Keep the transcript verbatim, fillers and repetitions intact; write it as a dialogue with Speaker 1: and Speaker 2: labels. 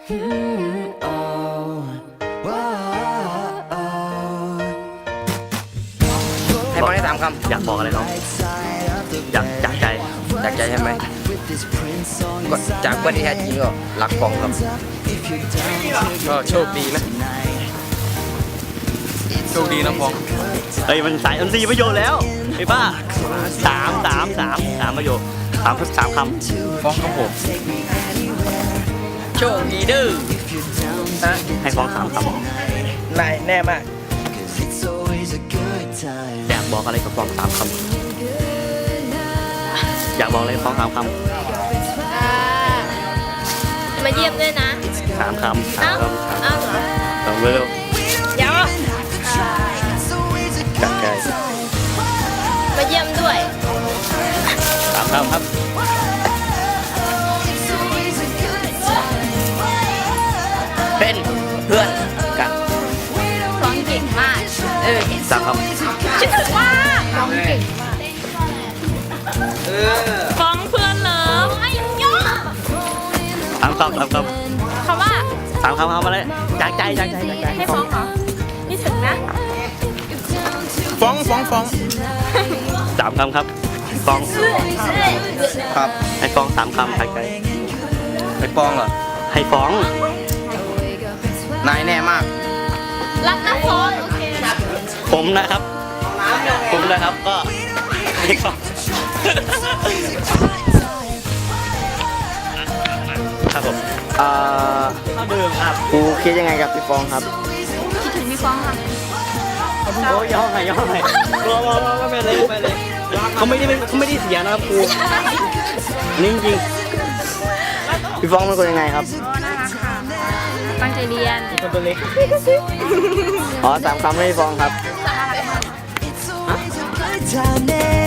Speaker 1: ให้ฟังได้สามคำอยากบอกอะไรน้องอยากจากใจจากใจใช่ไหมก็จากเพื่อนที่แท้จริงก็รักฟองครับก็โชคดีนะโชคดีนะฟองเฮ้ยมันสายมันสี่ประโยชน์แล้วไอ้ป้าสามสามสามสามประโยชน์สามสามคำฟองครับผมโชคดีดื้อให้ฟองสามคำนายแน่มากอยากบอกอะไรกับฟองสามคำอยากบอกอะไรฟองสามคำ
Speaker 2: มาเยี่ยมด้วยนะ
Speaker 1: สามคำสามคำ
Speaker 2: เอ้าเหรอ
Speaker 1: สองเร็ว
Speaker 2: เดี๋ยว
Speaker 1: จากใจ
Speaker 2: มาเยี่ยมด้วย
Speaker 1: สามคำครับเป็นเพื่อนกัน
Speaker 2: ฟ้องเก่งมากเออ
Speaker 1: สามคำ
Speaker 2: คิดถึงมากฟ้องเก่งมากฟ้องเพื่อนเลยไอ้ยอ
Speaker 1: สามคำสามคำ
Speaker 2: คำว่า
Speaker 1: สามคำคำอะไรจากใจจากใจจากใจ
Speaker 2: ให้ฟ้องเหรอนี่ถึงนะ
Speaker 3: ฟ้องฟ้องฟ้อง
Speaker 1: สามคำครับฟ้อง
Speaker 3: ครับ
Speaker 1: ให้ฟ้องสามคำจากใจ
Speaker 3: ให้ฟ้องเหรอ
Speaker 1: ให้ฟ้อง
Speaker 3: นายแน่มาก
Speaker 2: รักนะฟ้องโอเค
Speaker 1: ผมนะครับผมนะครับก็ให้ฟ้องครับผมอ่าเข้าเดิมครับครูคิดยังไงกับพี่ฟองครับ
Speaker 2: คิดถึงพี่ฟ้องค่ะ
Speaker 1: โอ้ยย่อไงย่อไงรอรอรอไปเลยไปเลยเขาไม่ได้เขาไม่ได้เสียนะครับครูนี่จริงพี่ฟองเป็นคนยังไงครับ
Speaker 2: น่ารักค่ะตั้งใจเรียน
Speaker 1: คนตัวเล็กอ๋อสามคำให้พี่ฟองครับ